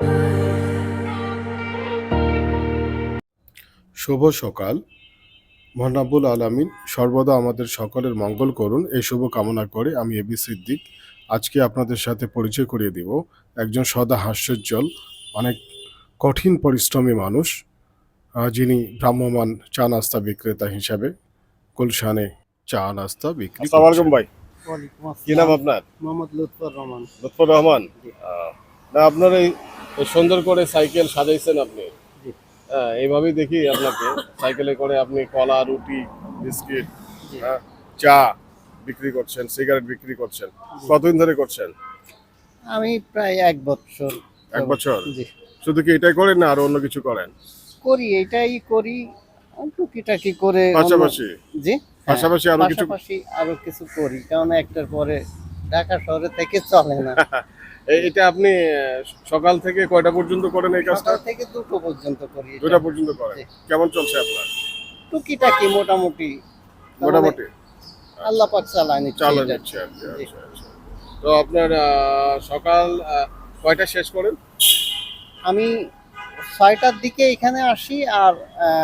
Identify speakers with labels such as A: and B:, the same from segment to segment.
A: শুভ সকাল। মহান রাব্বুল আলামিন সর্বদা আমাদের সকলের মঙ্গল করুন এই শুভ কামনা করে আমি এবি সিদ্দিক আজকে আপনাদের সাথে পরিচয় করিয়ে দিব একজন সদা হাস্যোজ্জ্বল অনেক কঠিন পরিশ্রমী মানুষ, যিনি ভ্রাম্যমাণ চা নাস্তা বিক্রেতা হিসাবে গুলশানে চা নাস্তা বিক্রি
B: আসসালামু আলাইকুম
A: করছেন।
B: ভাই।
C: ওয়ালাইকুম
B: কি নাম
C: আসসালাম।
B: আপনার?
C: মোহাম্মদ লুৎফর রহমান।
B: লুৎফর রহমান। না, আপনার এই সুন্দর করে সাইকেল সাজাইছেন আপনি।
C: জি।
B: এইভাবেই দেখি আপনাকে সাইকেলে করে আপনি কলা, রুটি, বিস্কিট,
C: জি।
B: চা বিক্রি করছেন, সিগারেট বিক্রি করছেন। কতদিন ধরে করছেন?
C: আমি প্রায় 1 বছর।
B: 1 বছর?
C: জি।
B: শুধু কি এটাই করেন না আরো অন্য কিছু করেন?
C: করি, এটাই করি। টুকিটাকি করে
B: পাশাপাশি?
C: জি।
B: পাশাপাশি আরো কিছু?
C: পাশাপাশি আরো কিছু করি, কারণ একটার পরে ঢাকা শহরে থেকে চলে না।
B: এটা আপনি সকাল থেকে কয়টা পর্যন্ত করেন এই কাজটা?
C: সকাল থেকে 2টো পর্যন্ত করি এটা।
B: 2টা পর্যন্ত করেন।
C: জি।
B: কেমন চলছে আপনার?
C: টুকিটাকি মোটামুটি
B: মোটামুটি
C: আল্লাহ পাক চালায় নিচ্ছে
B: চালান
C: এটা।
B: নিচ্ছে আর কি।
C: জি।
B: আচ্ছা, আচ্ছা। তো আপনার সকাল কয়টা শেষ করেন?
C: আমি 6টার দিকে এখানে আসি আর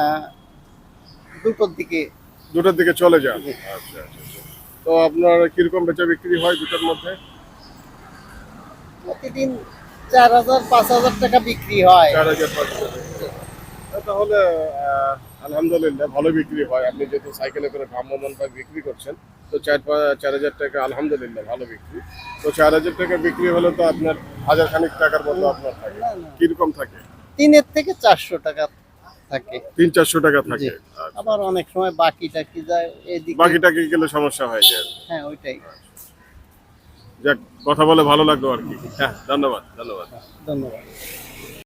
C: 2টোর দিকে।
B: 2টার দিকে চলে যান।
C: জি।
B: আচ্ছা, আচ্ছা, আচ্ছা। তো আপনার কিরকম বেচা বিক্রি হয় 2টার মধ্যে?
C: প্রতিদিন 4,000-5,000 টাকা বিক্রি হয়।
B: 4,000 5,000 তাহলে আলহামদুলিল্লাহ ভালো বিক্রি হয়। আপনি যেহেতু সাইকেলে করে ভ্রাম্যমাণ ভাবে বিক্রি করছেন, তো 4,000 টাকা আলহামদুলিল্লাহ ভালো বিক্রি। তো 4,000 টাকা বিক্রি হলে তো আপনার হাজার খানিক টাকার মতো আপনার থাকে।
C: না, না।
B: কিরকম থাকে?
C: 3 থেকে 400 টাকা থাকে।
B: 300-400 টাকা
C: জি।
B: থাকে। আচ্ছা।
C: আবার অনেক সময় বাকি টাকি যায় এদিকে।
B: বাকি টাকা গেলে সমস্যা হয়ে যায়।
C: হ্যাঁ, ওইটাই।
B: যাক, কথা বলে ভালো লাগলো আর কি। হ্যাঁ, ধন্যবাদ।
C: ধন্যবাদ।